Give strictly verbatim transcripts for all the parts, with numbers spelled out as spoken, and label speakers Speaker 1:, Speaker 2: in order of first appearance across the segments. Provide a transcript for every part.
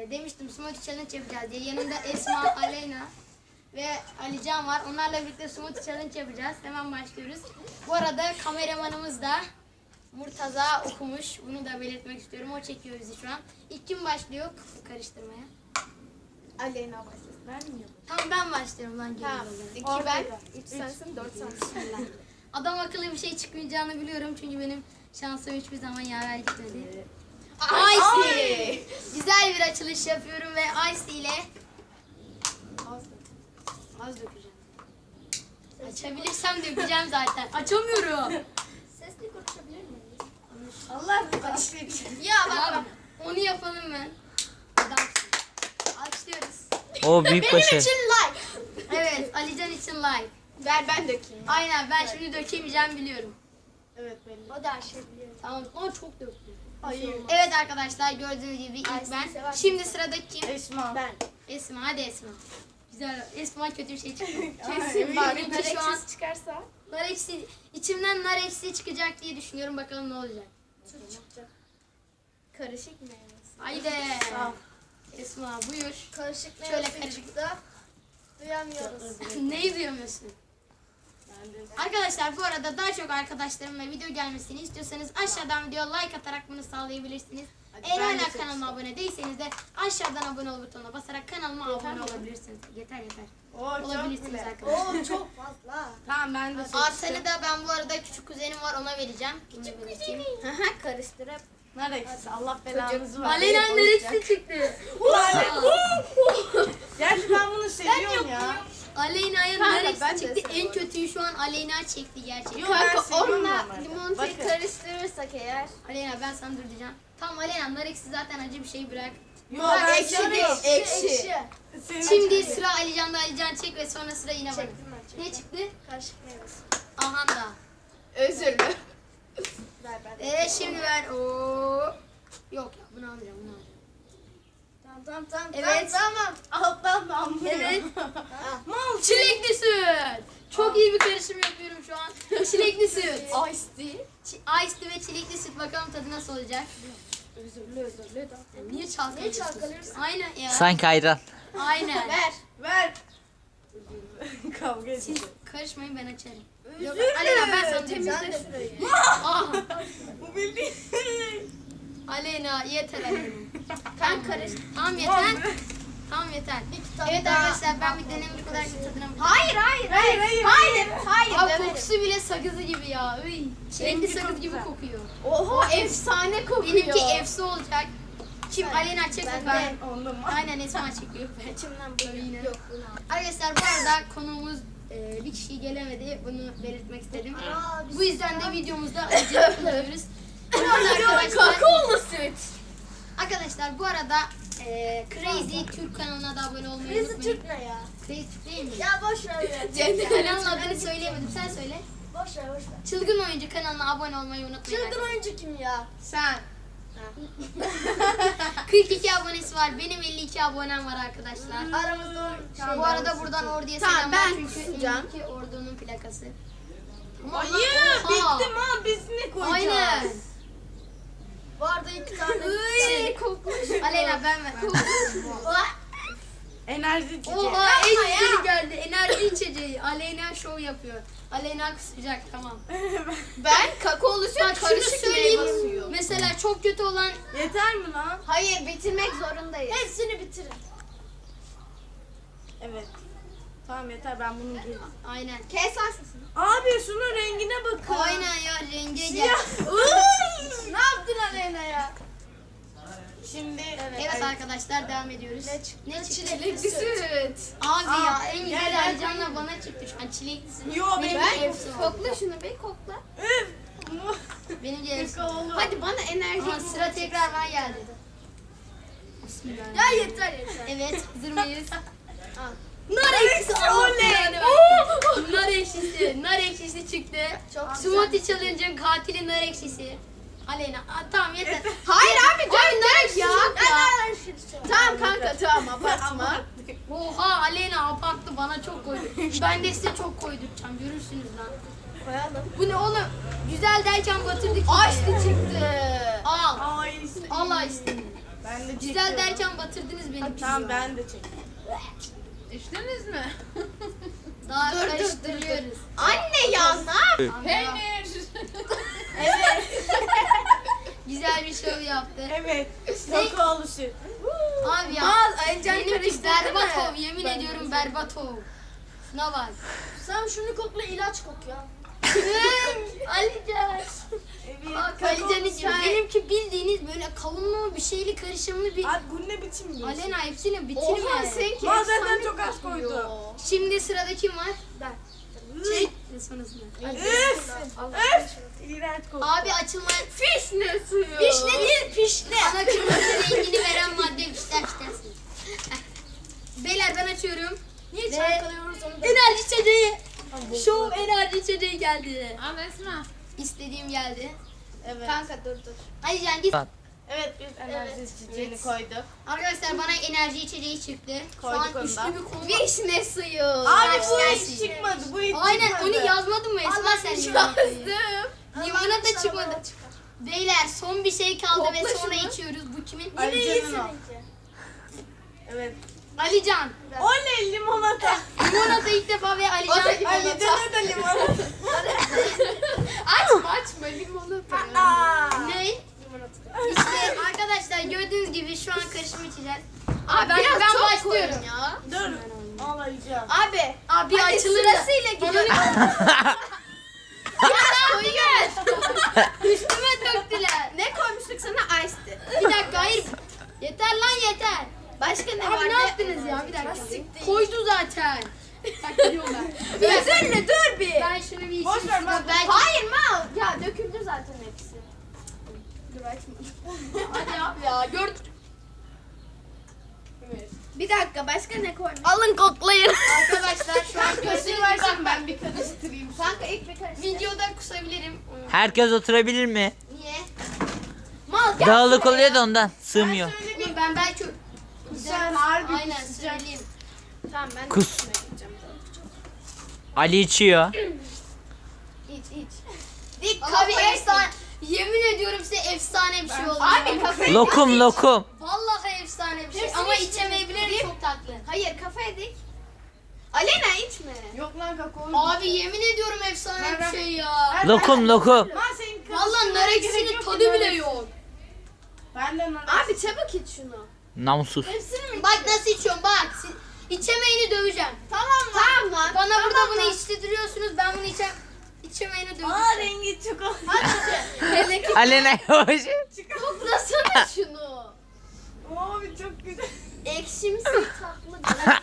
Speaker 1: e, demiştim smoothie challenge yapacağız diye. Yanımda Esma, Aleyna ve Alican var. Onlarla birlikte smoothie challenge yapacağız. Hemen başlıyoruz. Bu arada kameramanımız da Murtaza okumuş. Bunu da belirtmek istiyorum. O çekiyor bizi şu an. İlk kim başlıyor karıştırmaya?
Speaker 2: Aleyna başlasın. Ben mi?
Speaker 1: Tamam ben başlıyorum lan.
Speaker 2: Tamam. İki ben, üç sensin, dört sensin.
Speaker 1: Adam akıllı bir şey çıkmayacağını biliyorum. Çünkü benim şansım hiçbir zaman yaver gitmedi.
Speaker 2: Ice.
Speaker 1: Ice. Güzel bir açılış yapıyorum ve Ice ile az dökeceğim. Açabilirsem dökeceğim zaten. Açamıyorum.
Speaker 2: Sesli konuşabilir miyiz?
Speaker 3: Allah rızası için.
Speaker 2: Ya bak
Speaker 1: Abi,
Speaker 2: bak.
Speaker 1: onu yapalım mı? Adamsın. Alkışlıyoruz.
Speaker 4: O büyük
Speaker 2: Benim
Speaker 4: başarı.
Speaker 2: için like.
Speaker 1: Evet, Alican için like.
Speaker 2: Ver ben dökeyim.
Speaker 1: Aynen, ben şimdi dökemeyeceğim biliyorum.
Speaker 3: Evet belli.
Speaker 2: O da her şey biliyor.
Speaker 1: Tamam, ama çok döktüm.
Speaker 3: Hayır.
Speaker 1: Evet arkadaşlar, gördüğünüz gibi ilk
Speaker 2: Ice'yi
Speaker 1: ben.
Speaker 2: sever
Speaker 1: Şimdi sıradaki kim?
Speaker 3: Esma.
Speaker 2: Ben.
Speaker 1: Esma, hadi Esma. Güzel, Esma kötü bir şey çıktı.
Speaker 3: Kesin
Speaker 1: bak.
Speaker 3: bak.
Speaker 1: Benimki şu an
Speaker 2: çıkarsa.
Speaker 1: nar eksi, içimden nar eksi çıkacak diye düşünüyorum. Bakalım ne olacak.
Speaker 2: Süt çıkacak. Karışık meyvesi.
Speaker 1: Haydi. Esma buyur.
Speaker 2: Karışık
Speaker 1: Şöyle
Speaker 2: meyvesi
Speaker 1: karışık.
Speaker 2: çıktı. Duyamıyoruz.
Speaker 1: Neyi duyamıyorsun? Arkadaşlar bu arada daha çok arkadaşlarımla video gelmesini istiyorsanız aşağıdan video like atarak bunu sağlayabilirsiniz. Eğer
Speaker 3: ben de
Speaker 1: hala kanalıma abone değilseniz de aşağıdan abone ol butonuna basarak kanalıma abone olabilirsiniz. Yeter yeter.
Speaker 3: Oo çok
Speaker 1: Olabilirsiniz
Speaker 3: bile.
Speaker 1: arkadaşlar.
Speaker 2: Oo çok fazla.
Speaker 3: Tamam ben de
Speaker 1: Artanı da ben bu arada küçük kuzenim var ona vereceğim. Küçük kuzenim.
Speaker 2: Haha karıştırıp.
Speaker 3: Nar ekşisi. Allah belanızı versin.
Speaker 1: Aleyna neresi çıktı?
Speaker 3: Gerçi ben bunu seviyorum ya.
Speaker 1: Aleyna'ya
Speaker 2: Kanka,
Speaker 1: neresi
Speaker 2: ben de
Speaker 1: çıktı? En
Speaker 2: seviyorum.
Speaker 1: kötüyü şu an Aleyna çekti gerçekten.
Speaker 3: Yok, ben
Speaker 2: Kanka
Speaker 3: seviyorum
Speaker 2: onunla
Speaker 3: normalde.
Speaker 2: limonatayı
Speaker 3: Bakın.
Speaker 2: karıştırırsak eğer.
Speaker 1: Aleyna ben sana dur diyeceğim. Tamam Aleyna nar eksi zaten acı bir şey bırak.
Speaker 3: Yok
Speaker 2: Bak,
Speaker 3: ben
Speaker 2: ekşi
Speaker 3: seviyorum.
Speaker 2: değil, ekşi.
Speaker 3: Senin
Speaker 1: Şimdi
Speaker 3: acı-
Speaker 1: sıra Alican'da. Alican çek ve sonra sıra yine bana.
Speaker 2: Çektim ben, çektim.
Speaker 1: Ne çıktı?
Speaker 2: Karışık meyvesi.
Speaker 1: Ahan da.
Speaker 2: Özür dilerim. Ver ben.
Speaker 1: Eee şimdi ver. Oo. Yok ya bunu almayacağım bunu alacağım.
Speaker 2: Tamam tamam tamam.
Speaker 1: Evet.
Speaker 2: Tamam.
Speaker 3: Alttan damlıyor.
Speaker 1: Evet.
Speaker 3: Mal
Speaker 1: Çilekli süt. Çok iyi bir karışım yapıyorum şu an. Çilekli süt.
Speaker 2: tamam. Ice tea.
Speaker 1: Ç- Ice tea ve çilekli süt bakalım tadı nasıl olacak.
Speaker 2: Özürlü özürlü.
Speaker 1: Ya niye çalkalıyorsun?
Speaker 2: Niye çalkalıyorsun?
Speaker 1: Aynen ya.
Speaker 4: Sanki ayran.
Speaker 1: Aynen.
Speaker 2: Ver.
Speaker 3: ver. Kavga
Speaker 1: Siz
Speaker 3: edeceğiz.
Speaker 1: karışmayın ben açarım.
Speaker 2: Yok,
Speaker 1: Aleyna ben sana
Speaker 2: temizle
Speaker 1: temizle.
Speaker 2: şurayı.
Speaker 1: Ah.
Speaker 3: Bu bildiğin.
Speaker 1: Aleyna yeter Aleyna.
Speaker 2: Kan karış.
Speaker 1: Tamam yeter. Tamam yeter. Evet
Speaker 2: daha-
Speaker 1: arkadaşlar ben bir denemek kadar bir tadına bakayım.
Speaker 2: Hayır hayır hayır.
Speaker 3: hayır,
Speaker 2: Hayır hayır.
Speaker 1: Abi
Speaker 2: demedim.
Speaker 1: kokusu bile sakızı gibi ya. Üy. Çilekli
Speaker 3: Benimki
Speaker 1: sakız
Speaker 3: çok
Speaker 1: gibi
Speaker 3: güzel.
Speaker 1: kokuyor.
Speaker 2: Oho efsane kokuyor.
Speaker 1: Benimki efsi olacak. Kim?
Speaker 2: Ben-
Speaker 1: Aleyna çek
Speaker 2: ben
Speaker 1: bakalım.
Speaker 2: de.
Speaker 3: Onda mı?
Speaker 1: Aynen Esma çekiyor.
Speaker 2: İçimden bu
Speaker 1: Yine.
Speaker 2: yok bunu al.
Speaker 1: Arkadaşlar bu arada konuğumuz e, bir kişi gelemedi. Bunu belirtmek istedim.
Speaker 2: Aa, biz-
Speaker 1: Bu yüzden de videomuzda acı kullanıyoruz. Bu arada arkadaşlar,
Speaker 2: Kakaolu süt.
Speaker 1: arkadaşlar bu arada e, Crazy Türk kanalına da abone olmayı
Speaker 2: Crazy
Speaker 1: unutmayın.
Speaker 2: Türk ne ya?
Speaker 1: Crazy Türk değil mi?
Speaker 2: Ya boş ver ya.
Speaker 1: Kanalın adını söyleyemedim. Sen söyle.
Speaker 2: Boş ver boş ver.
Speaker 1: Çılgın Oyuncu kanalına abone olmayı unutmayın.
Speaker 2: Çılgın oyuncu kim ya?
Speaker 3: Sen.
Speaker 1: kırk iki abonesi var. Benim elli iki abonem var arkadaşlar.
Speaker 2: Aramızda on şey
Speaker 1: Bu arada buradan Ordu'ya
Speaker 2: Tamam,
Speaker 1: selamlar
Speaker 2: ben
Speaker 1: çünkü
Speaker 2: susacağım.
Speaker 1: elli iki Ordu'nun plakası.
Speaker 3: Hayır
Speaker 1: Oha.
Speaker 3: bittim ha biz ne koyacağız?
Speaker 1: Aynen.
Speaker 2: Bu arada iki tane.
Speaker 1: Iy, kokmuş. Aleyna ben ver.
Speaker 3: Enerji içeceği.
Speaker 1: Oha en güzeli geldi. Enerji içeceği. Aleyna şov yapıyor. Aleyna kusacak tamam.
Speaker 2: Ben kakaolu süt
Speaker 1: Bak şunu
Speaker 2: karışık
Speaker 1: söyleyeyim.
Speaker 2: meyve suyu.
Speaker 1: Mesela çok kötü olan
Speaker 3: Yeter mi lan?
Speaker 2: Hayır bitirmek zorundayız. Hepsini bitirin.
Speaker 3: Evet. Tamam yeter ben bunu giyeyim.
Speaker 1: aynen.
Speaker 2: Kes lan sesini.
Speaker 3: Abi şunun rengine bakın.
Speaker 1: Aynen ya renge gel.
Speaker 3: Siyah.
Speaker 2: Ne yaptın Aleyna ya?
Speaker 3: Şimdi
Speaker 1: Evet arkadaşlar devam ediyoruz.
Speaker 2: Ne çıktı?
Speaker 1: Ne çıktı?
Speaker 2: Çilekli süt.
Speaker 1: Abi
Speaker 3: Aa,
Speaker 1: ya en
Speaker 3: gel,
Speaker 1: güzel
Speaker 3: gel.
Speaker 1: Alican'la bana çıktı şu an çileklisi.
Speaker 3: Yo,
Speaker 1: benim
Speaker 3: ben-
Speaker 1: de efsi oldu.
Speaker 2: Kokla şunu bir kokla.
Speaker 3: Üf.
Speaker 1: Benim de efsi.
Speaker 3: Kakaolu.
Speaker 2: Hadi bana enerji.
Speaker 1: Aha, sıra tekrar ben geldi. Bismillah.
Speaker 2: Ya yeter yeter.
Speaker 1: Evet hazır mıyız?
Speaker 2: Al.
Speaker 1: Nar ekşisi
Speaker 3: oley.
Speaker 1: oley. Nar ekşisi. Nar ekşisi çıktı.
Speaker 2: Çok
Speaker 1: Smoothie Challenge'ın katili nar ekşisi. Aleyna. Aa, tamam yeter.
Speaker 2: Hayır abi
Speaker 1: Ay, nar ekşisi
Speaker 2: ya.
Speaker 1: yok ya.
Speaker 2: Tamam kanka tamam abartma.
Speaker 1: Oha Aleyna abarttı bana çok koydu. Ben de size çok koyduracağım görürsünüz lan.
Speaker 2: Koyalım.
Speaker 1: Bu ne oğlum? Güzel derken batırdık.
Speaker 2: Açtı çıktı.
Speaker 1: Al.
Speaker 3: Ay işte.
Speaker 1: Allah istedi.
Speaker 3: Ben de
Speaker 1: Güzel
Speaker 3: çekiyorum.
Speaker 1: derken batırdınız beni.
Speaker 3: Tamam ben de çekeyim.
Speaker 4: İçtiniz mi?
Speaker 1: Daha
Speaker 2: Dur, dur,
Speaker 1: karıştırıyoruz.
Speaker 2: Anne ya ne yap?
Speaker 1: Tamam, devam.
Speaker 4: Peynir.
Speaker 1: Güzel bir şov yaptı.
Speaker 3: Evet. Kakaolu süt.
Speaker 1: Abi ya.
Speaker 2: Mal Alican
Speaker 1: Benimki
Speaker 2: karıştı
Speaker 1: berbat
Speaker 2: değil
Speaker 1: ol.
Speaker 2: mi?
Speaker 1: Yemin ediyorum berbat ol. Şuna bak.
Speaker 2: Sen şunu kokla ilaç kok ya.
Speaker 1: Alican.
Speaker 3: Evet.
Speaker 1: Bak Alican'ın gibi. Benimki bildiğiniz böyle kavunlu bir şeyli karışımlı bir.
Speaker 3: Abi bu ne biçim yiyorsun?
Speaker 1: Alena hepsini
Speaker 2: Oha
Speaker 1: bitirme.
Speaker 2: seninki
Speaker 3: Mal zaten
Speaker 2: efsane
Speaker 3: çok az
Speaker 2: kokuyor.
Speaker 3: koydu.
Speaker 1: Şimdi sırada kim var?
Speaker 2: Ben.
Speaker 1: Çek. Ve sonrasında.
Speaker 3: Üf.
Speaker 2: Allah
Speaker 3: Üf. İğrenç kokuyor.
Speaker 1: Abi açılmaya...
Speaker 2: Fişne suyu.
Speaker 1: Fişne değil pişne. Ana kırmızı rengini veren madde ister istersin. Beyler ben açıyorum.
Speaker 2: Niye
Speaker 1: Ve-
Speaker 2: çalkalıyoruz onu da?
Speaker 1: Enerji içeceği. Show enerji içeceği geldi.
Speaker 4: Al Esma.
Speaker 1: İstediğim geldi.
Speaker 3: Evet.
Speaker 2: Kanka dur dur.
Speaker 1: Hadi can git.
Speaker 3: Evet biz enerji içeceğini koyduk.
Speaker 1: Arkadaşlar bana enerji içeceği çıktı. Şu an
Speaker 3: Koyduk onu
Speaker 1: üçlü
Speaker 3: da.
Speaker 1: bir konu.
Speaker 2: Vişne suyu.
Speaker 3: Abi bu
Speaker 1: Gelsin.
Speaker 3: hiç çıkmadı. Bu hiç
Speaker 1: Aynen
Speaker 3: çıkmadı.
Speaker 1: onu yazmadın mı Esma sen limonatayı?
Speaker 2: Yazdım.
Speaker 1: Limonata çıkmadı. Beyler son bir şey kaldı ve
Speaker 2: Kokla
Speaker 1: sonra
Speaker 2: şunu.
Speaker 1: içiyoruz. Bu kimin?
Speaker 3: Alican'ın o. Evet.
Speaker 1: Alican.
Speaker 3: Oley limonata.
Speaker 1: Limonata ilk defa ve Alican.
Speaker 3: Alican'a da limonata.
Speaker 2: Açma açma limonata.
Speaker 1: Ne? İşte arkadaşlar gördüğünüz gibi şu an karışım içeceğiz.
Speaker 2: Abi
Speaker 1: ben,
Speaker 2: biraz
Speaker 1: ben
Speaker 2: çok
Speaker 1: başlıyorum.
Speaker 2: koyun ya.
Speaker 3: Dur. Al Alican.
Speaker 2: Abi.
Speaker 1: Abi
Speaker 2: Hadi
Speaker 1: açılır.
Speaker 2: sırasıyla gidiyor. Biraz koyun.
Speaker 1: Üstüme döktüler.
Speaker 2: Ne koymuştuk sana? Ice'ti.
Speaker 1: Bir dakika hayır. Yeter lan yeter.
Speaker 2: Başka ne
Speaker 1: Abi
Speaker 2: vardı?
Speaker 1: ne yaptınız ya bir dakika.
Speaker 2: Nasıl siktir?
Speaker 1: Koydu zaten. Bak gidiyorlar. Bir dakika.
Speaker 2: Üzülme dur bir.
Speaker 1: Ben şunu bir içeyim.
Speaker 3: Boş ver, bak.
Speaker 1: Belki-
Speaker 2: Hayır mal. Ya döküldü zaten hepsi. Dur açmadım.
Speaker 1: Hadi abi ya gördüm.
Speaker 3: Evet.
Speaker 2: Bir dakika başka ne koymuş?
Speaker 1: Alın koklayın. Arkadaşlar şu an
Speaker 3: Kaşığı
Speaker 1: gördüğünüz
Speaker 3: versen
Speaker 1: gibi
Speaker 3: ben bir karıştırayım.
Speaker 2: Kanka ilk bir karıştır.
Speaker 1: videoda kusabilirim.
Speaker 5: Herkes oturabilir mi?
Speaker 1: Niye?
Speaker 2: Mal gel.
Speaker 5: Dağılık oluyor da ondan sığmıyor.
Speaker 1: Oğlum ben belki
Speaker 3: Sen harbi
Speaker 1: aynen
Speaker 3: kusacak.
Speaker 1: söyleyeyim.
Speaker 2: Tamam ben de
Speaker 5: Kus.
Speaker 2: üstüne gideceğim.
Speaker 5: Ali içiyor.
Speaker 2: İç iç. Dik
Speaker 1: Abi
Speaker 2: kafaya
Speaker 1: efsane. Yemin ediyorum size efsane bir şey oldu.
Speaker 2: Abi
Speaker 1: ya.
Speaker 2: kafaya
Speaker 5: Lokum lokum.
Speaker 1: Vallahi efsane bir şey
Speaker 2: Hepsini
Speaker 1: ama
Speaker 2: içtim.
Speaker 1: içemeyebilirim çok tatlı.
Speaker 2: Hayır kafaya dik. Alena içme.
Speaker 3: Yok lan kakao.
Speaker 1: Abi yemin ediyorum efsane
Speaker 3: Ben-
Speaker 1: bir
Speaker 3: ben-
Speaker 1: şey ya.
Speaker 5: Lokum lokum.
Speaker 3: Lan senin
Speaker 1: Vallahi nar
Speaker 3: karıştırmana gerek
Speaker 1: ekşisinin
Speaker 3: yok
Speaker 1: tadı
Speaker 3: ki,
Speaker 1: bile
Speaker 3: nar-
Speaker 1: yok.
Speaker 3: Ben de nar
Speaker 2: Abi çabuk iç şunu.
Speaker 5: Namussuz.
Speaker 2: Hepsini mi?
Speaker 1: Bak nasıl içiyorum bak. Si- İçemeyeni döveceğim.
Speaker 2: Tamam lan. Tamam lan.
Speaker 1: Bana
Speaker 2: tamam
Speaker 1: burada
Speaker 2: lan.
Speaker 1: bunu içtiriyorsunuz ben bunu içem içemeyeni döveceğim.
Speaker 3: Aa rengi çok
Speaker 2: Hele ki
Speaker 5: Alena yavaş.
Speaker 2: koklasana şunu.
Speaker 3: Abi çok güzel.
Speaker 2: Ekşimsi tatlı.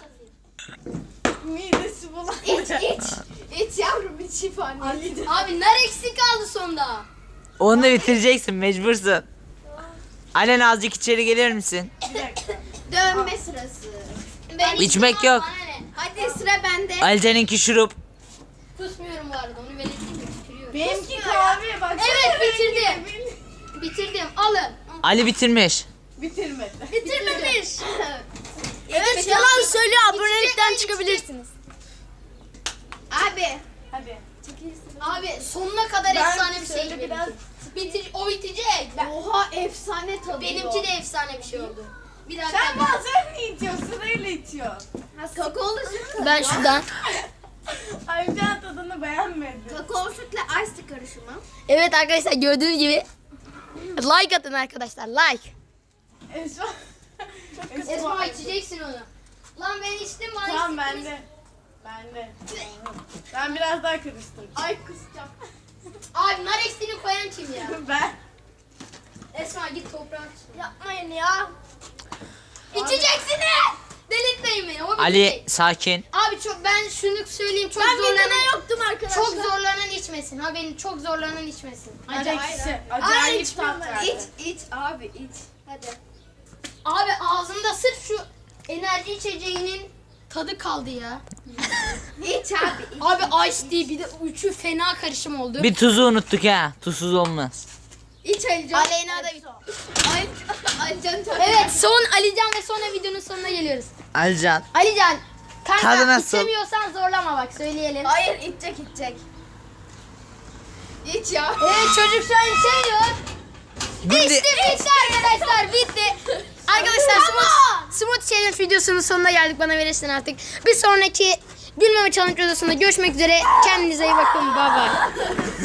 Speaker 3: Midesi bulan.
Speaker 2: İç iç. İç yavrum iç şifane.
Speaker 3: Alican.
Speaker 1: Abi nar eksik kaldı sonda.
Speaker 5: Onu da bitireceksin mecbursun. Alena azıcık içeri gelir misin?
Speaker 3: Bir dakika.
Speaker 2: Dönme sırası.
Speaker 1: Ben
Speaker 5: İçmek
Speaker 1: içmem,
Speaker 5: yok.
Speaker 1: bana ne?
Speaker 2: Hadi sıra bende.
Speaker 5: Alican'ınki şurup.
Speaker 1: Kusmuyorum bu arada onu belirteyim mi? Bitiriyorum.
Speaker 3: Benimki kahve bak.
Speaker 1: Evet bitirdim. Bitirdim alın.
Speaker 5: Ali bitirmiş.
Speaker 3: Bitirmedi.
Speaker 1: Bitirmemiş.
Speaker 2: Evet
Speaker 1: yalan
Speaker 2: söylüyor
Speaker 1: abonelikten çıkabilirsiniz.
Speaker 2: Abi.
Speaker 3: Hadi.
Speaker 1: Abi sonuna kadar
Speaker 3: Ben
Speaker 1: efsane bir şey
Speaker 2: şöyle
Speaker 1: benimki.
Speaker 2: biraz-
Speaker 1: Bitir, o bitecek. Ben-
Speaker 2: Oha efsane tadı.
Speaker 1: benimki de efsane bir şey oldu. Bir dakika.
Speaker 3: Sen bazen mi içiyorsun? Sırayla içiyorsun.
Speaker 2: Kakaolu süt.
Speaker 1: Ben şuradan.
Speaker 3: Alican tadını beğenmedi.
Speaker 2: Kakaolu sütle ice karışımı.
Speaker 1: Evet arkadaşlar gördüğünüz gibi like atın arkadaşlar like.
Speaker 3: Esma. Çok
Speaker 1: Esma içeceksin onu. Lan ben içtim bana
Speaker 3: Tamam
Speaker 1: içtirdiniz.
Speaker 3: bende. Bende. Ben biraz daha karıştıracağım.
Speaker 2: Ay kusacağım.
Speaker 1: Abi nar eksiğini koyan kim ya?
Speaker 3: Ben.
Speaker 1: Esma git toprağa tut.
Speaker 2: Yapmayın ya.
Speaker 1: İçeceksiniz. Delirtmeyin beni. O bitecek.
Speaker 5: Ali sakin.
Speaker 1: Abi çok ben şunu söyleyeyim çok
Speaker 2: Ben bir
Speaker 1: zorlanan
Speaker 2: tane yoktum arkadaşlar.
Speaker 1: çok zorlanan içmesin. Ha beni çok zorlanan içmesin.
Speaker 3: Acayip
Speaker 2: hayır,
Speaker 3: kişi.
Speaker 2: Ay
Speaker 3: Acayip
Speaker 2: iç,
Speaker 3: tat verdi.
Speaker 2: iç, iç abi iç. Hadi.
Speaker 1: Abi ağzımda sırf şu enerji içeceğinin tadı kaldı ya.
Speaker 2: İç abi iç.
Speaker 1: Abi ice tea bir de üçü fena karışım oldu.
Speaker 5: Bir tuzu unuttuk ha. Tuzsuz olmaz.
Speaker 2: İç Alican.
Speaker 1: Aleyna da
Speaker 2: Ay, Alican tadı.
Speaker 1: Evet son Alican ve sonra videonun sonuna geliyoruz.
Speaker 5: Alican.
Speaker 1: Alican kanka
Speaker 5: Tadı nasıl?
Speaker 1: içemiyorsan zorlama bak söyleyelim.
Speaker 2: Hayır içecek içecek. İç ya.
Speaker 1: Evet çocuk şu an içemiyor.
Speaker 5: Güldü.
Speaker 1: İşte bitti arkadaşlar bitti. Arkadaşlar Smooth, Smooth Challenge videosunun sonuna geldik. Bana verirsin artık. Bir sonraki gülmeme challenge videosunda görüşmek üzere. Kendinize iyi bakın. Bye bye.